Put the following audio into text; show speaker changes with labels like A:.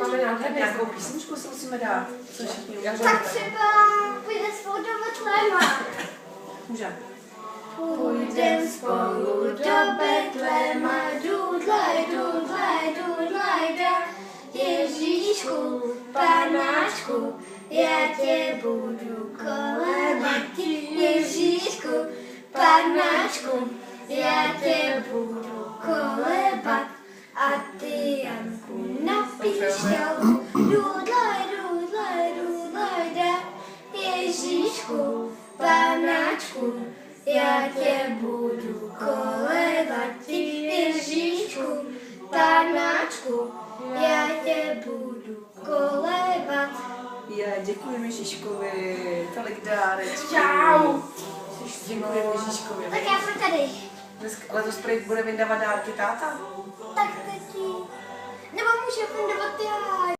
A: máme nádherné.
B: Nějakou písničku si musíme dát. Co všichni umíme.
C: Tak třeba půjde spolu do Betléma.
B: Můžeme.
C: Půjdem spolu do Betléma, dudlaj, dudlaj, dudlaj, da. Ježíšku, panáčku, já tě budu kolebat. Ježíšku, panáčku, já tě budu kolebat. A ty, Janku, napíš ťalku, dudlaj, dudlaj, dudlaj, da. Ježíšku, panáčku, já tě budu kolebat. Ježíšku, panáčku, já tě budu kolebat.
B: Děkuji Ježíškovi, tolik dárečků.
A: Čau.
B: Děkuji Ježíškovi.
C: Tak já jsem tady.
B: Letos prý bude vydávat dárky táta?
C: Tak tati. Nebo může fundovat já.